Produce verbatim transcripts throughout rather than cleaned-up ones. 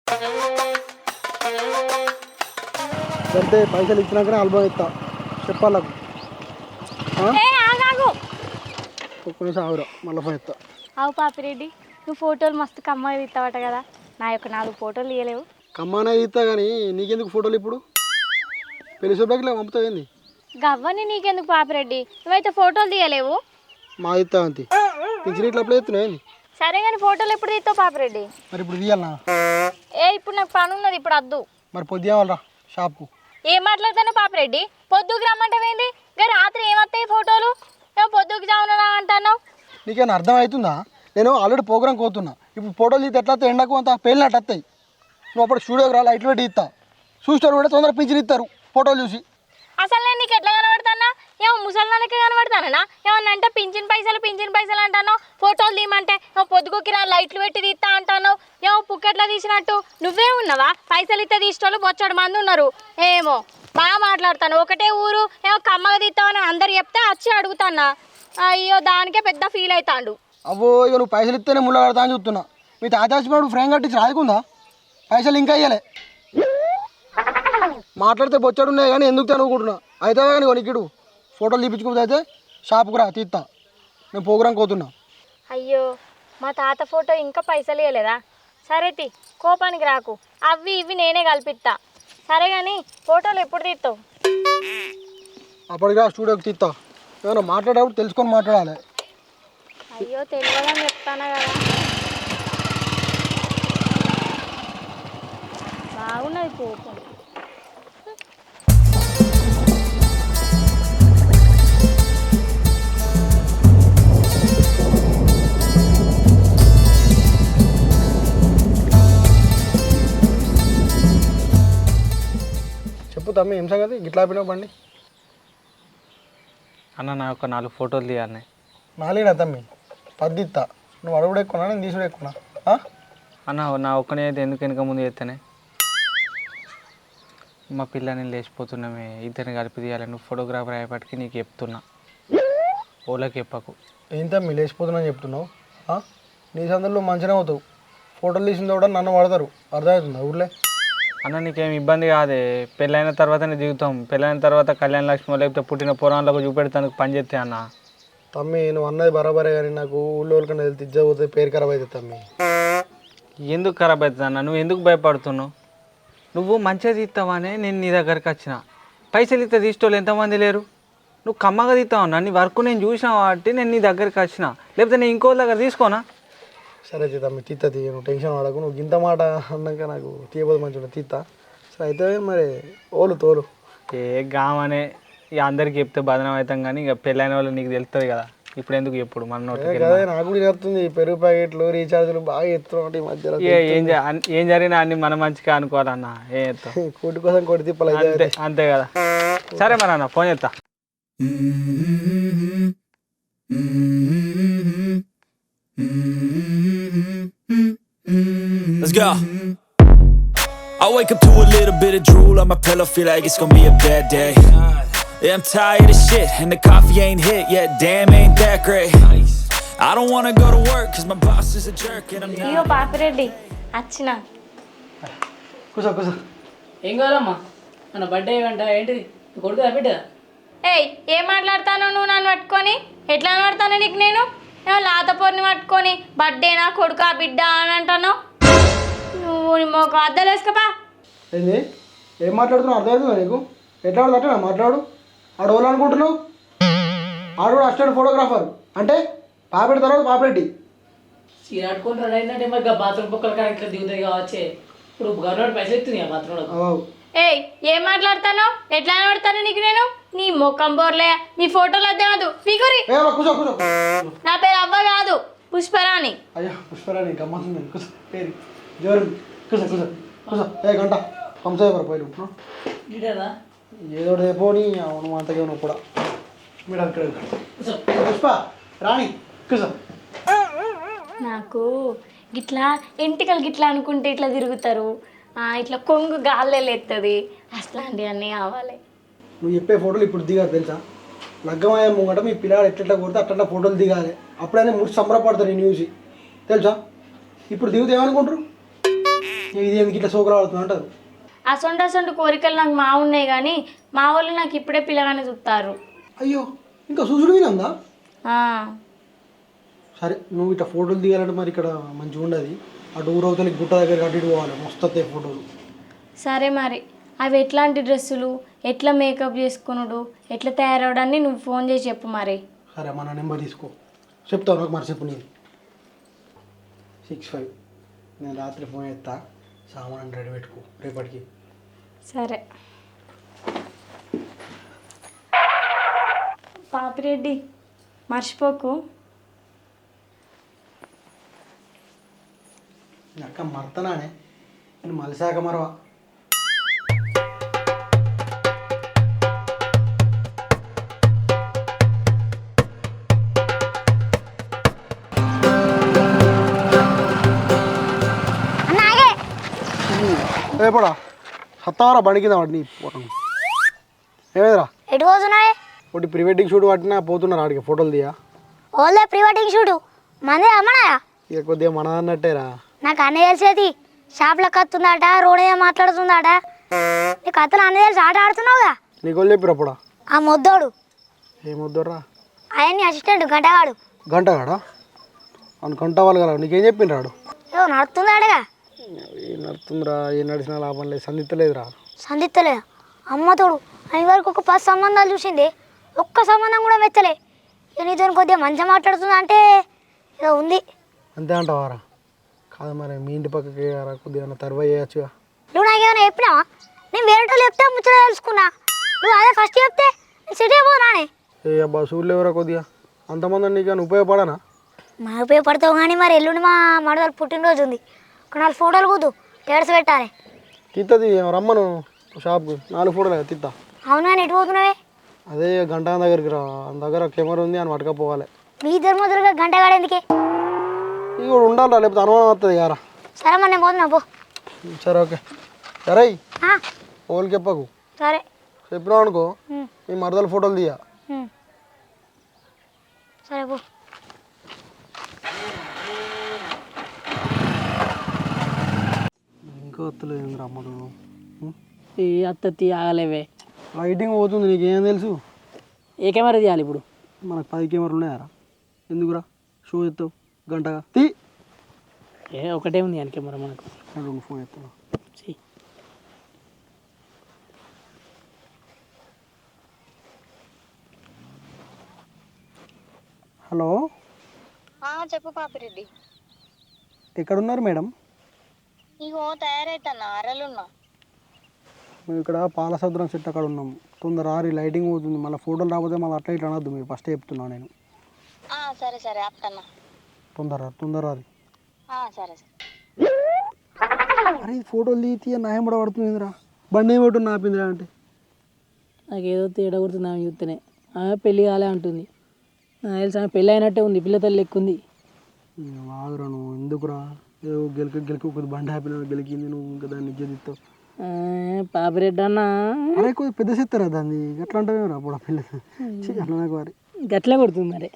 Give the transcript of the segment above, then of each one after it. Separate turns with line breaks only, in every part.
అంటే పైసలు ఇచ్చినాకనే ఆల్బమ్ ఇస్తా చెప్పాలకు ఒక్క నిమిషం ఆవురా మళ్ళీ ఫోన్ ఇస్తా.
అవు పాపిరెడ్డి, నువ్వు ఫోటోలు మస్తు కమ్మగా తీస్తావట కదా, నా యొక్క నాలుగు ఫోటోలు తీయలేవు.
కమ్మానే ఇస్తా కానీ నీకెందుకు ఫోటోలు ఇప్పుడు పెళ్లి శుభ్రకి పంపుతావేంది?
గవ్వని నీకెందుకు పాపిరెడ్డి, నువ్వైతే ఫోటోలు తీయలేవు.
మా ఇస్తా అంతే పింఛన్ ఇట్లా అప్పుడు ఎత్తున్నావేంది?
సరే కానీ ఫోటోలు ఎప్పుడు తీస్తావు పాపిరెడ్డి?
మరి ఇప్పుడు తీయాలనా?
ఏ ఇప్పుడు నాకు పని ఉన్నది, ఇప్పుడు వద్దు.
మరి పొద్దువాలరా షాప్కు.
ఏం మాట్లాడతాను పాపిరెడ్డి? పొద్దుకు రమ్మంటావేంది? ఇంకా రాత్రి ఏమొస్తాయి ఫోటోలు? ఏమో పొద్దుకు జామునా అంటున్నావు.
నీకేమైనా అర్థం అవుతుందా? నేను ఆల్రెడీ ప్రోగ్రామ్ కోతున్నా, ఇప్పుడు ఫోటోలు తీస్తే ఎట్లా ఎండకు అంత పేలినట్టు వస్తాయి. నువ్వు అప్పుడు స్టూడియోకి రా, లైట్లు పెట్టి ఇస్తా, చూస్తారు కూడా తొందరగా పింఛన్ ఇస్తారు ఫోటోలు చూసి.
అసలు నేను నీకు ఎట్లా కనబడతానా? ఏమో ముసలిదానికి కనబడతానా? ఏమన్నా అంటే పింఛన్ పైసలు పింఛన్ పైసలు అంటాను, ఫోటోలు తీయమంటే ఏమో పొద్దుగుకి రా లైట్లు పెట్టి తీస్తా అంటాను, ఏమో పుక్కెట్లా తీసినట్టు. నువ్వే ఉన్నావా? పైసలు ఇస్తే తీసేటోళ్ళు బొచ్చడు మంది ఉన్నారు. ఏమో బాగా మాట్లాడతాను, ఒకటే ఊరు ఏమో కమ్మగా తీస్తావని అందరు చెప్తే వచ్చి అడుగుతానా. అయ్యో దానికే పెద్ద ఫీల్ అవుతాడు.
అవ్వో ఇక నువ్వు పైసలు ఇస్తేనే ముళ్ళ కడతా అని చూస్తున్నా. మీ తాతాచిపోయాడు ఫ్రేమ్ కట్టించి రాయకుందా? పైసలు ఇంకా ఇయ్యలే. మాట్లాడితే బొచ్చాడు ఉన్నాయి కానీ ఎందుకు అనుకుంటున్నా. అయితే కానీ కొనికిడు ఫోటోలు తీపించుకుంటే అయితే షాప్కి రా తీస్తా, నేను ప్రోగ్రాం కోతున్నా.
అయ్యో మా తాత ఫోటో ఇంకా పైసలు ఇవ్వలేదా? సరే తీ, కోపానికి రాకు, అవి ఇవి నేనే కల్పిస్తా. సరే కానీ ఫోటోలు ఎప్పుడు తీస్తావు?
అప్పటికి స్టూడియోకి తీస్తా. ఏమన్నా మాట్లాడేప్పుడు తెలుసుకొని మాట్లాడాలి.
అయ్యో తెలియదని చెప్తానా కదా. బాగున్నది కోపం.
చెప్పు తమ్మి ఏం సంగతి గిట్లా ఆపినావు బండి?
అన్న నా యొక్క నాలుగు ఫోటోలు తీయాలి.
నాలుగునా తమ్మి? పది ఇస్తా. నువ్వు అడుగుడు ఎక్కువనా నేను తీసుడు ఎక్కువనా?
అన్న నా ఒక్కనే అయితే ఎందుకు వెనక ముందు చేస్తేనే మా పిల్లని లేచిపోతున్నామే, ఇద్దరిని కలిపి తీయాలి. నువ్వు ఫోటోగ్రాఫర్ అయ్యేపటికి నీకు చెప్తున్నా, ఓళ్ళకి చెప్పకు.
ఏం తమ్మి లేచిపోతున్నా చెప్తున్నావు? నీ సందర్లో మంచిగా అవుతావు, ఫోటోలు తీసిన కూడా నన్ను వాడతారు, అర్థమవుతుందా ఊర్లే?
అన్న నీకేం ఇబ్బంది కాదే, పెళ్ళైన తర్వాతనే దిగుతాం. పెళ్ళైన తర్వాత కళ్యాణ లక్ష్మి లేకపోతే పుట్టిన పురాణాలకు చూపెడతానికి పని చేస్తే అన్న.
తమ్మి నువ్వు అన్నది బరాబరే కానీ నాకు ఊళ్ళో కన్నా వెళ్తే ఇజ్జపోతే పేరు ఖరాబ్ అవుతుంది తమ్మి.
ఎందుకు ఖరాబ్ అవుతుంది అన్న? నువ్వు ఎందుకు భయపడుతున్నావు? నువ్వు మంచిగా తీస్తావనే నేను నీ దగ్గరికి వచ్చిన. పైసలు ఇస్తే తీసేటోళ్ళు ఎంతమంది లేరు? నువ్వు కమ్మగా తీస్తావు అన్న, నీ వర్క్ నేను చూసిన కాబట్టి నేను నీ దగ్గరికి వచ్చిన, లేకపోతే నేను ఇంకో దగ్గర తీసుకోనా? సరే
తమ్మి తీస్తా తీ, నువ్వు టెన్షన్ పడకు. నువ్వు ఇంత మాట అన్నాక నాకు తీయబోదు మంచిగా తీస్తా. సరే అయితే మరి ఓలు తోలు.
ఏ గామనే ఇక అందరికి చెప్తే బదనం అవుతాం కానీ ఇక పెళ్ళైన వాళ్ళు నీకు తెలుస్తుంది కదా, ఇప్పుడు ఎందుకు ఎప్పుడు మన
అదే నాకు కూడా చెప్తుంది. పెరుగు ప్యాకెట్లు రీఛార్జ్లు బాగా ఎత్తున్నాం ఈ మధ్యలో.
ఏం ఏం జరిగినా అన్ని మన మంచిగా అనుకోవాలన్న. ఏం ఎత్తాం
కోటి కోసం కోటి తిప్పలు
అంతే అంతే కదా. సరే మరి అన్న ఫోన్ చేస్తా.
Let's go. I wake up to a little bit of drool on my pillow, feel like it's gonna be a bad day. Yeah, I'm tired of shit, and the coffee ain't hit yet, damn ain't that great. I don't wanna go to work, cause my boss is a jerk, and I'm not.
అయ్యో పాపిరెడ్డి వచ్చిన.
కూసో కూసో.
ఏం కావాలమ్మా? మన birthday వెంట ఏంటిది కొడుకు బిడ్డ?
ఏయ్ ఏం మాట్లాడతాను నువ్వు నన్ను పట్టుకొని? ఎట్లా పడతాను నీకు నేను? ఏమో లాత పొరిని పట్టుకొని బర్త్డేనా కొడుకా బిడ్డ అని అంటాను. నువ్వు మాకు అద్దలు వేసుకోపా.
ఏంది ఏం మాట్లాడుతున్నావు అర్థమవుతుందా నీకు? ఎట్లా అట్లా మాట్లాడు. ఆడు ఎవరు అనుకుంటున్నావు? ఆడు కూడా అసిస్టెంట్ ఫోటోగ్రాఫర్ అంటే పాపెట్టి తర్వాత పాపెట్టి
చీరాడుకొని రెడీ అయిందంటే మరి బాత్రూమ్ పొక్కల కానీ ఇట్లా దిగుతాయి కావచ్చే. ఇప్పుడు గవర్నమెంట్ పైసలు ఎత్తుంది ఆ బాత్రూంలో.
ఏయ్ ఏం మాట్లాడతాను? ఎట్లా పడతాను నీకు నేను? నీ మొక్కం బోర్లే, నీ ఫోటోలు అదే కాదు ఫిగరి. నా పేరు అవ్వ కాదు, పుష్పరాణి.
అయ్యో పుష్పరాణి గమ్మతుంది. కూర్చో పేరు జోరు. కూర్చో కూర్చో కూర్చో. ఏ గంట హంసేవర పోయి ఏదో రేపోని అవును అంతకే నువ్వు కూడా మీరు అక్కడ పుష్ప రాణి కూర్చో.
నాకు గిట్లా ఎంటికలు గిట్లా అనుకుంటే ఇట్లా తిరుగుతారు, ఇట్లా కొంగు గాల్లే ఎత్తది, అట్లాంటివి అన్నీ కావాలి.
నువ్వు చెప్పే ఫోటోలు ఇప్పుడు దిగాలి తెలుసా? లగ్గమయ్యే ముంగట మీ పిల్లలు ఎట్లా కొడితే అట్లా ఫోటోలు దిగాలి. అప్పుడైనా ముడి సంబరపడతారు నేను చూసి తెలుసా? ఇప్పుడు దిగుతే ఏమనుకుంటారు? ఇది ఎందుకు ఇట్లా సోకులు ఆడుతుంది అంటారు.
అసొంటి అసొంటి కోరికలు నాకు మా ఉన్నాయి కానీ మా వాళ్ళు నాకు ఇప్పుడే పిల్లగానే చూస్తారు.
అయ్యో ఇంకా చూసుడు వినందా?
ఆ,
సరే నువ్వు ఇట్లా ఫోటోలు దిగాలంటే మరి ఇక్కడ మంచిగా ఉండదు. అటు ఊరవతలకి గుట్ట దగ్గర అటు ఇటు పోవాలి, మస్తు వస్తాయి ఫోటోలు.
సరే మరి అవి ఎట్లాంటి డ్రెస్సులు, ఎట్లా మేకప్ చేసుకునుడు, ఎట్లా తయారవడాన్ని నువ్వు ఫోన్ చేసి చెప్పు మరి.
సరే మన నెంబర్ తీసుకో, చెప్తావు నాకు మరి చెప్పు. నేను సిక్స్ ఫైవ్ నేను రాత్రి ఫోన్ చేస్తా, సామాన్ రెడీ పెట్టుకో రేపటికి.
సరే పాపిరెడ్డి మర్చిపోకు.
అక్క మర్తనానే నేను మలిసాక మరవా. రేపడా సత్తావరా బండి కింద వాడిని పోతాం. ఏమైందిరా?
ఎటు పోతున్నాయి?
ఒకటి ప్రీ వెడ్డింగ్ షూట్ పట్టినా పోతున్నారు ఆడికి ఫోటోలు తీయా.
ఓలే ప్రీ వెడ్డింగ్ షూటు మందే అమ్మనాయా?
ఇక కొద్దిగా మన అన్నట్టేరా.
నాకు అన్నీ తెలిసేది షాప్లో కత్తుందట, రోడ్ మీద మాట్లాడుతుందట. నీ కథలు అన్నీ తెలిసి ఆట ఆడుతున్నావుగా.
నీకు చెప్పిరు అప్పుడా?
ఆ మొద్దోడు
ఏమొద్దురా?
ఆయన్ని అసిస్టెంట్ గంటగాడు.
గంటగాడా? అని గంట వాళ్ళు కదా నీకేం చెప్పిండు రాడు?
ఏదో నడుతుందాడగా.
ఏం నడుతుందిరా, ఏం నడిచినా లాభం లేదు, సందిత్తలేదురా.
సందిత్తలే అమ్మతోడు అని వరకు ఒక పది సంబంధాలు చూసింది, ఒక్క సంబంధం కూడా మెచ్చలే. ఇక నీతో కొద్దిగా మంచిగా మాట్లాడుతుందా అంటే ఏదో ఉంది.
అంతే అంటావారా? కాదు మరి మీ ఇంటి పక్కకి రా, కొద్దిగా తర్వా చేయొచ్చుగా.
నువ్వు నాకేమైనా చెప్పినావా? నేను వేరేటో చెప్తే ముచ్చట తెలుసుకున్నా, నువ్వు అదే ఫస్ట్ చెప్తే నేను సిటీ పోనానే.
ఏ అబ్బా చూడలే ఎవరా కొద్దిగా అంతమంది నీకు ఉపయోగపడనా?
మా ఉపయోగపడతావు కానీ మరి ఎల్లుండి మా మడదలు పుట్టినరోజు ఉంది, ఒక నాలుగు ఫోటోలు కూదు టేడ్స్ పెట్టాలి.
తిత్తది రమ్మను షాప్కి, నాలుగు ఫోటోలు తిత్తా.
అవునా? ఎటు పోతున్నావే?
అదే గంట దగ్గరికి రా, ఆయన దగ్గర కెమెరా ఉంది అని పట్టుకపోవాలి.
మీ ఇద్దరు మొదలుగా గంట కాడేందుకే?
ఇక ఉండాలి రా, లేకపోతే అనుమానం వస్తుంది యారా.
సరే మరి నేను పోతున్నా పో.
సరే ఓకే. సరే
ఆ,
ఓన్కి చెప్పకు,
సరే.
చెప్పినావు అనుకో
ఉమ్,
మీ మరదల ఫోటోలు తీయ.
ఉమ్. సరే పో.
ఇంకా వస్తలేదు రమ్మడు.
ఈ అత్త ఆగలేవే.
లైటింగ్ పోతుంది, నీకేం తెలుసు?
ఏ కెమెరా తీయాలి ఇప్పుడు?
మనకు పది కెమెరాలు ఉన్నాయారా? ఎందుకురా షో ఎత్తావు గంటగా? తీ.
ఏ ఒకటే ఉంది అని కెమెరా మనకు.
రెండు ఫోన్ ఎత్తాను.
చెయ్యి.
హలో
చెప్పు పాపిరెడ్డి.
ఎక్కడున్నారు మేడం?
ఇగో తయారైతున్నా, అరలున్నా.
మేము ఇక్కడ పాలసముద్రం సెట్ అక్కడ ఉన్నాం. తొందర రారి, లైటింగ్ పోతుంది. మళ్ళీ ఫోటోలు రాకపోతే మళ్ళీ అట్లా ఇట్లా అనొద్దు, మీరు ఫస్ట్ చెప్తున్నాను నేను.
సరే సరే ఆపుతున్నా.
తొందర తొందర రారి.
సరే సరే.
అరే ఫోటోలు తీసి న్యాయం కూడా పడుతుందిరా. బండి ఏమిటి నాపిందిరా అంటే
నాకేదో తేడా కొడుతుంది ఆమె చూస్తేనే. ఆమె పెళ్ళి కాలే అంటుంది, నాకు తెలిసి ఆమె పెళ్ళి అయినట్టే ఉంది, పిల్ల తల్లి ఎక్కుంది.
ఆగురా నువ్వు, ఎందుకురా ఏదో గెలిక గెలిక ఒక బండి హ్యాపీ గెలికింది, నువ్వు ఇంకా దాన్ని ఇచ్చేదిస్తావు.
పాపిరెడ్డి అన్న
అరే కొద్దిగా పెద్ద చెప్తారా దాన్ని, ఎట్లా అంటే రా అప్పుడు ఆ పిల్ల అట్లా నాకు వారి
గట్లే కొడుతుంది మరి.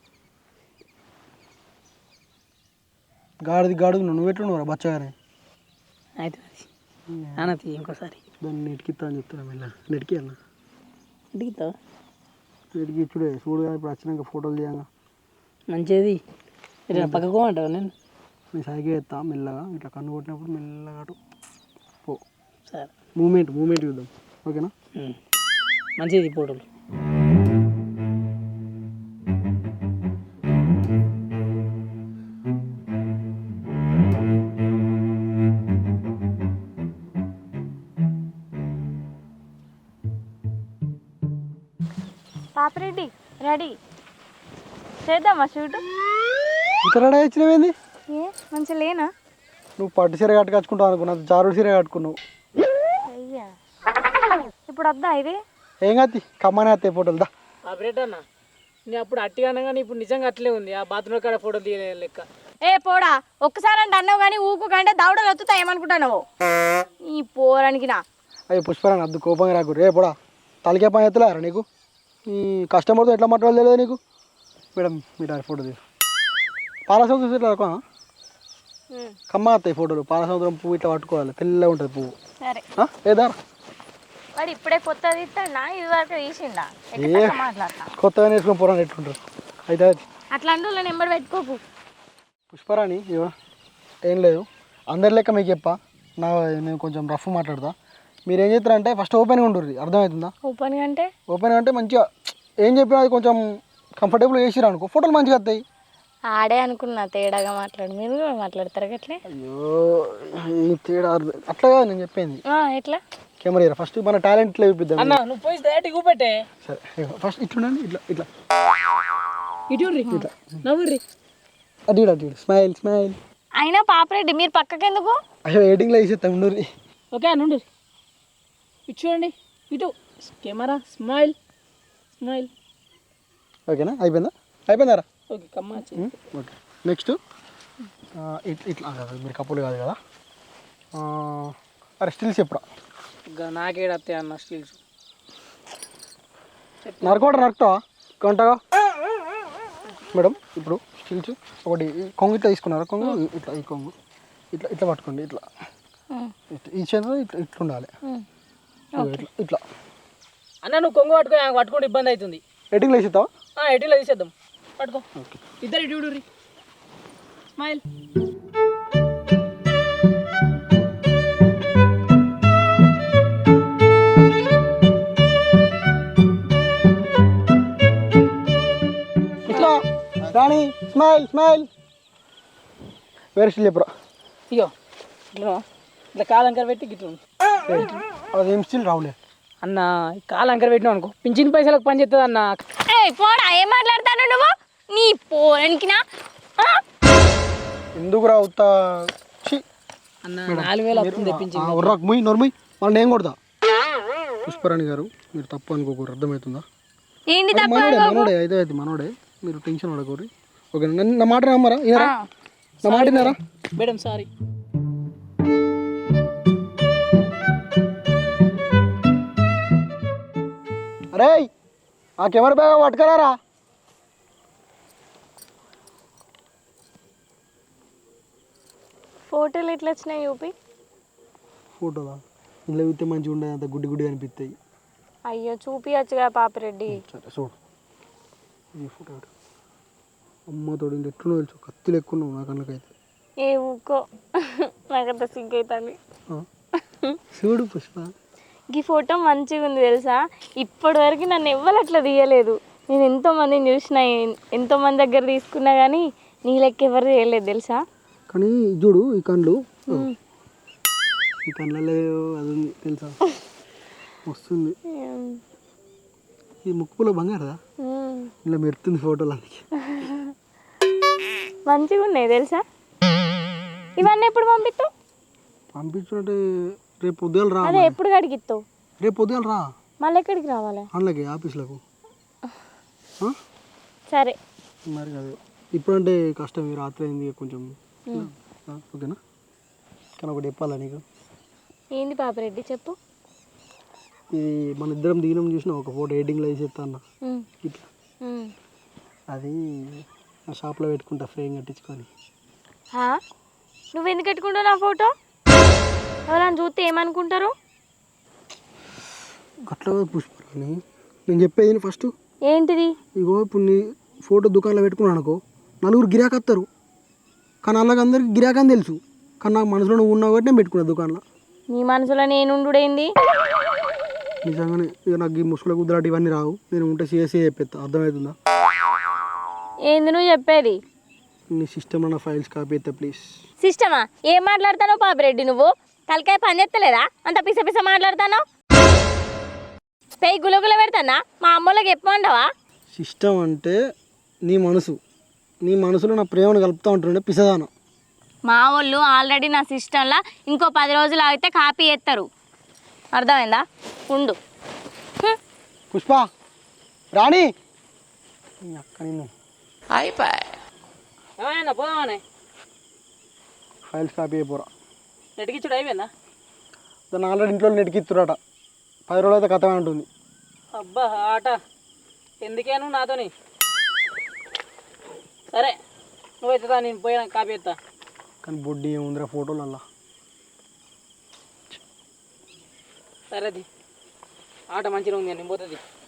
గాడిది గాడుగు నువ్వు ఎట్లున్నావురా బచ్చగానే.
అయితే అన్నది ఇంకోసారి
దాన్ని నెట్కిస్తా అని చెప్తున్నా. మెల్ల నెట్కి అన్న,
అడిగితావా?
నెట్కి ఇచ్చుడే చూడుగా. ఇప్పుడు వచ్చినాక ఫోటోలు తీయంగా
మంచిది. పక్కకు అంటావు నేను
నేను సైకిల్ ఎత్తా మెల్లగా, ఇట్లా కన్ను కొట్టినప్పుడు మెల్లగా అటు పో.
సరే
మూమెంట్ మూమెంట్ చూద్దాం, ఓకేనా?
మంచిది ఫోటోలు.
పాపిరెడ్డి రెడీ చేద్దామా షూట్?
ఇక్కడ రెడీ వచ్చినవేంది?
ఏ మంచిగా లేనా?
నువ్వు పట్టు సీర కట్టుకొచ్చుకుంటావు అనుకున్నావు, జారుడు సీర కట్టుకున్నావు.
అయ్యా ఇప్పుడు వద్దా ఇది?
ఏం కాదు, కమ్మనే వస్తాయి ఫోటోలు. దా
పాపిరెడ్డి అన్న, నేను అప్పుడు అట్టిగా అన్నా కానీ ఇప్పుడు నిజంగా అట్లే ఉంది. ఆ బాత్రూమ్ కాడ ఫోటో తీయలే లెక్క.
ఏ పోడా, ఒక్కసారి అంటే అన్నావు కానీ ఊకు కంటే దౌడలు వత్తుతా ఏమనుకుంటావు ఈ పోరానికి? నా
అయ్యి పుష్పరాని అద్దు కోపంగా రాకు. రే పోడా, తలకే పని ఎత్తలేరా నీకు? ఈ కస్టమర్తో ఎట్లా మాట్లాడలేదు తెలియదు నీకు. మేడం మీరు ఫోటో తీసు పాలసీ ఇట్లా కమ్మ వస్తాయి ఫోటోలు. పాల సముద్రం పువ్వు ఇట్లా పట్టుకోవాలి, తెల్లగా ఉంటుంది పువ్వు.
సరే
ఏదా
వాడు ఇప్పుడే కొత్తది ఇస్తాడా ఇది వరకు తీసిండా
ఏ
మాట్లాడతా
కొత్తగా నేర్చుకుని పోరాని ఎట్లుంటారు అయితే అది.
అట్లాంటి వాళ్ళ నెంబర్ పెట్టుకోకు.
పుష్పరాణి ఇవో ఏం లేదు, అందరి లెక్క మీకు చెప్పా, నా నేను కొంచెం రఫ్ మాట్లాడతా. మీరు ఏం చేస్తారంటే ఫస్ట్ ఓపెన్గా ఉంటుంది, అర్థమవుతుందా?
ఓపెన్ అంటే
ఓపెన్గా అంటే మంచిగా ఏం చెప్పినా అది కొంచెం కంఫర్టబుల్ చేసిరా అనుకో, ఫోటోలు మంచిగా వస్తాయి.
ఆడే అనుకున్నా తేడాగా మాట్లాడు, మీరు కూడా మాట్లాడతారు అట్లే.
అయ్యో ఈ తేడా అట్లా కాదు నేను చెప్పింది.
ఎట్లా
కెమెరా ఫస్ట్ మన టాలెంట్ ఇట్లా చూపిద్దాం.
అన్న నువ్వు పోయి డైరెక్ట్ చూపెట్టే.
సరే ఫస్ట్ ఇట్లుండండి, ఇట్లా ఇట్లా
ఇటు ఇట్లా నవ్వుర్రి.
అటు ఇటు అటు స్మైల్ స్మైల్.
అయినా పాపరెడ్డి మీరు పక్కకి ఎందుకు?
అయ్యో ఎడిటింగ్లో వేసేస్తాం ఉండూరి.
ఓకే అన్న ఉండు, ఇటు చూడండి, ఇటు కెమెరా స్మైల్ స్మైల్.
ఓకేనా, అయిపోయిందా? అయిపోయిందారా?
ఓకే కమ్మా.
ఓకే నెక్స్ట్ ఇట్లా కాదు, మీరు కప్పులు కాదు కదా. అరే స్టిల్స్ చెప్పురా.
నాకేడత్తాయి అన్న స్టిల్స్.
నరకోట నరకుతావా కొంటగా మేడం? ఇప్పుడు స్టిల్స్ ఒకటి కొంగు ఇట్లా తీసుకున్నారా? కొంగు ఇట్లా, ఈ కొంగు ఇట్లా ఇట్లా పట్టుకోండి, ఇట్లా ఈ చేతిలో ఇట్లా ఇట్లా ఉండాలి, ఇట్లా ఇట్లా.
అన్న నువ్వు కొంగు పట్టుకో, పట్టుకుంటే ఇబ్బంది అవుతుంది.
ఎడిటింగ్లో వేసేస్తావా?
ఎడిట్లో తీసేద్దాం, పట్టుకో. ఇద్దరు ఇటు చూడుర్రి, స్మైల్.
ఇట్లా రాణి స్మైల్ స్మైల్. వేరే స్టిల్ చెప్పురా.
ఇగో ఇట్లా ఇట్లా కాలంకర పెట్టి గిట్ల
అది ఏం స్టిల్ రావులే
అన్న. కాలంకర పెట్టినావు అనుకో పింఛన్ పైసలకు పని చేస్తుంది అన్న.
పోడా ఏం మాట్లాడతాను నువ్వు? నీ పోరనికినా
ఎందుకు రావుతా
అన్న? నాలుగు వేలు వస్తుంది పింఛన్.
ముయ్ నొరముయ్ మళ్ళీ నేను కొడతా. పుష్పరాణి గారు మీరు తప్పు అనుకోకూరు, అర్థమవుతుందా?
ఏంటి తప్ప?
మనోడే మనోడే అయితే అయితే మనోడే, మీరు టెన్షన్ పడకూరి. ఓకే నా మాట నమ్మరా? ఇనారా? నా మాట వినారా
మేడం? సారీ.
అరే ఆ కెమెరా బ్యాగ్ పట్టుకరారా.
ఫోటోలు ఎట్లా వచ్చినాయి చూపి.
ఫోటోదా? ఇంట్లో చూస్తే మంచిగా ఉండదు, అంత గుడ్డి గుడ్డి అనిపిస్తాయి.
అయ్యో చూపియచ్చుగా పాపరెడ్డి.
సరే చూడు ఈ ఫోటో. అమ్మ తోడు ఎట్లున్నావు తెలుసు, కత్తులు ఎక్కువ ఉన్నావు నా కళ్ళకైతే.
ఏ ఊకో నాకంత సిగ్గు అవుతుంది.
చూడు పుష్ప,
ఈ ఫోటో మంచిగా ఉంది తెలుసా. ఇప్పటి వరకు నన్ను ఎవ్వరు అట్లా తీయలేదు. నేను ఎంతో మందిని చూసిన, ఎంతో మంది దగ్గర తీసుకున్నా కానీ నీ లెక్క ఎవరు చేయలేదు తెలుసా.
కానీ చూడు ఈ కళ్ళు, ఈ కళ్ళలో అది ఉంది తెలుసా, వస్తుంది. ఈ ముక్కులో బంగారదా, ఇలా మెరుతుంది ఫోటోలు అందుకే.
మంచిగా ఉన్నాయి తెలుసా. ఇవన్నీ ఎప్పుడు పంపిస్తావు?
పంపించుంటే రేపు పొద్దుగాల రా.
అదే ఎప్పుడు కడిగిస్తావు?
రేపు పొద్దుగాల రా.
మళ్ళీ ఎక్కడికి రావాలి?
అందులోకి ఆఫీస్లకు.
సరే
మరి అదే ఇప్పుడంటే కష్టం, రాత్రి అయింది కొంచెం. ఓకేనా? కానీ ఒకటి చెప్పాలా నీకు.
ఏంది పాపరెడ్డి చెప్పు.
ఇది మన ఇద్దరం దిగినం చూసిన ఒక ఫోటో ఎడిటింగ్లో వేసేస్తా అన్న ఇట్లా. అది నా షాప్లో పెట్టుకుంటా ఫ్రేమ్ కట్టించుకొని.
నువ్వెందుకు పెట్టుకుంటావు నా ఫోటో? ఎవరైనా చూస్తే ఏమనుకుంటారు?
అట్లా పుష్పరాణి నేను చెప్పేది ఫస్ట్.
ఏంటిది?
ఇగో ఇప్పుడు నీ ఫోటో దుకాణంలో పెట్టుకున్నాను అనుకో, నలుగురు గిరాకీ వస్తారు. కానీ అలాగ అందరికి గిరాకీ అని తెలుసు, కానీ నాకు మనసులో నువ్వు ఉన్నావు కాబట్టి నేను పెట్టుకున్నా దుకాణంలో.
నీ మనసులో నేనుండుడేంది?
నిజంగానే ఇక నాకు ఈ ముసుగుల కుదరాటి ఇవన్నీ రావు. నేను ఉంటే సిఎస్సీ చెప్పేస్తా, అర్థమవుతుందా?
ఏంది నువ్వు చెప్పేది?
నీ సిస్టంలో నా ఫైల్స్ కాపీ అయితే ప్లీజ్.
సిస్టమా? ఏం మాట్లాడతానో పాపరెడ్డి నువ్వు? తలకాయ పని చేస్తలేదా? అంత పిస పిస మాట్లాడతానో? పెయి గులగుల పెడతానా? మా అమ్మోళ్ళకి చెప్పమండవా?
సిస్టమ్ అంటే నీ మనసు, నీ మనసులో నా ప్రేమను కలుపుతూ ఉంటుండే పిసదానం.
మా వాళ్ళు ఆల్రెడీ నా సిస్టంలో ఇంకో పది రోజులు ఆగితే కాపీ చేస్తారు, అర్థమైందా? ఉండు.
పుష్ప రాణి అక్క నిన్ను
ఏమైనా పోదామనే
ఫైల్స్ కాపీ అయిపోరా.
నెట్కిచ్చుడు అయిపోయిందా?
దాన్ని ఆల్రెడీ ఇంట్లో నెట్కిత్తురాట, పది రోజులు అయితే కథమే ఉంటుంది.
అబ్బా ఆట ఎందుకేను నాతోని. సరే నువ్వైతే నేను పోయినా కాపీ ఎత్తా.
కానీ బొడ్డి ఏముందిరా ఫోటోలల్లా.
సరేది ఆట మంచిగా ఉంది అని పోతుంది.